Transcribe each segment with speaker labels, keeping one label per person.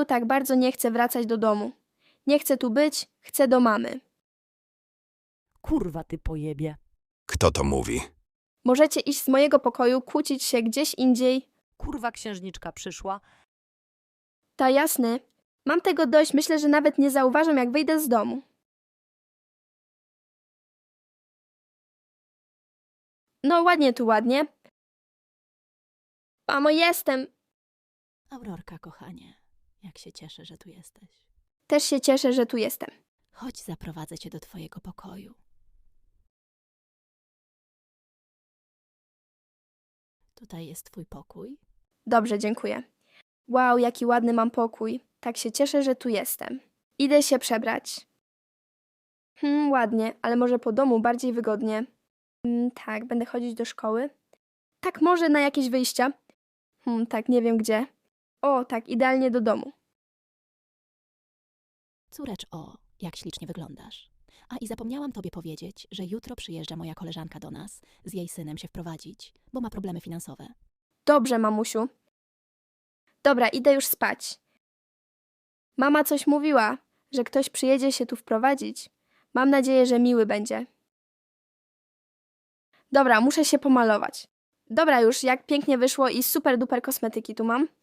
Speaker 1: Jeju tak bardzo nie chce wracać do domu. Nie chce tu być, chce do mamy.
Speaker 2: Kurwa ty pojebie.
Speaker 3: Kto to mówi?
Speaker 1: Możecie iść z mojego pokoju, kłócić się gdzieś indziej.
Speaker 2: Kurwa księżniczka przyszła.
Speaker 1: Ta jasny. Mam tego dość, myślę, że nawet nie zauważam, jak wyjdę z domu. No ładnie tu, ładnie. Mamo, jestem.
Speaker 4: Aurorka, kochanie, jak się cieszę, że tu jesteś.
Speaker 1: Też się cieszę, że tu jestem.
Speaker 4: Chodź, zaprowadzę cię do twojego pokoju. Tutaj jest twój pokój.
Speaker 1: Dobrze, dziękuję. Wow, jaki ładny mam pokój. Tak się cieszę, że tu jestem. Idę się przebrać. Ładnie, ale może po domu bardziej wygodnie. Tak, będę chodzić do szkoły. Tak, może na jakieś wyjścia. Tak, nie wiem gdzie. O, tak, idealnie do domu.
Speaker 4: Córecz, jak ślicznie wyglądasz. A i zapomniałam tobie powiedzieć, że jutro przyjeżdża moja koleżanka do nas z jej synem się wprowadzić, bo ma problemy finansowe.
Speaker 1: Dobrze, mamusiu. Dobra, idę już spać. Mama coś mówiła, że ktoś przyjedzie się tu wprowadzić. Mam nadzieję, że miły będzie. Dobra, muszę się pomalować. Dobra już, jak pięknie wyszło i super duper kosmetyki tu mam.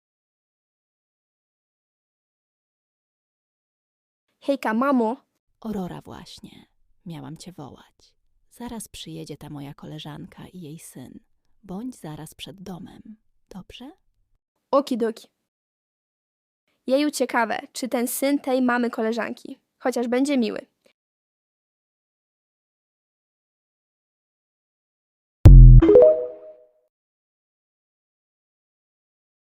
Speaker 1: Hejka, mamo.
Speaker 4: Aurora właśnie. Miałam cię wołać. Zaraz przyjedzie ta moja koleżanka i jej syn. Bądź zaraz przed domem. Dobrze?
Speaker 1: Okidoki. Jeju, ciekawe, czy ten syn tej mamy koleżanki. Chociaż będzie miły.